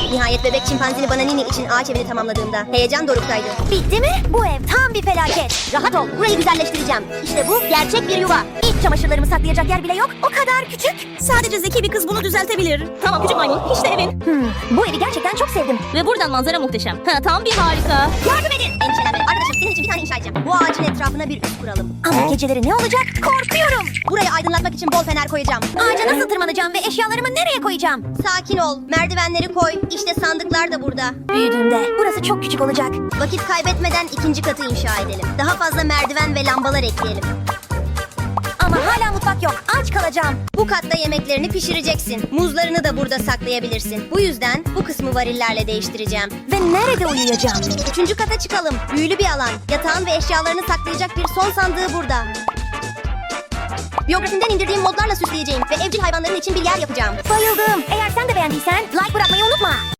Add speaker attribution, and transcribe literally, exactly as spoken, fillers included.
Speaker 1: Nihayet bebek çimpanzini bana Nini için ağaç evini tamamladığımda heyecan doruktaydı.
Speaker 2: Bitti mi? Bu ev tam bir felaket.
Speaker 1: Rahat ol, burayı güzelleştireceğim. İşte bu gerçek bir yuva.
Speaker 2: İç çamaşırlarımı saklayacak yer bile yok. O kadar küçük.
Speaker 3: Sadece zeki bir kız bunu düzeltebilir. Tamam küçük maymun, işte evin.
Speaker 2: Hmm, bu evi gerçekten çok sevdim.
Speaker 3: Ve buradan manzara muhteşem. Ha, tam bir harika.
Speaker 1: Yardım edin. Endişelenme. Arkadaşım senin için bir tane inşa edeceğim. Bu ağacın etrafına bir üst kuralım.
Speaker 2: Ama geceleri ne olacak? Korkuyorum.
Speaker 1: Burayı aydınlatmak için bol fener koyacağım.
Speaker 2: Ağaca nasıl tırmanacağım ve eşyalarımı nereye koyacağım?
Speaker 1: Sakin ol. Merdivenleri koy. İşte sandıklar da burada.
Speaker 2: Büyüdüğümde burası çok küçük olacak.
Speaker 1: Vakit kaybetmeden ikinci katı inşa edelim. Daha fazla merdiven ve lambalar ekleyelim.
Speaker 2: Ama hala mutfak yok. Aç kalacağım.
Speaker 1: Bu katta yemeklerini pişireceksin. Muzlarını da burada saklayabilirsin. Bu yüzden bu kısmı varillerle değiştireceğim.
Speaker 2: Ve nerede uyuyacağım?
Speaker 1: Üçüncü kata çıkalım. Büyülü bir alan. Yatağın ve eşyalarını saklayacak bir son sandığı burada. Biyografimden indirdiğim modlarla süsleyeceğim ve evcil hayvanların için bir yer yapacağım.
Speaker 2: Bayıldım. Eğer sen de beğendiysen like bırakmayı unutma.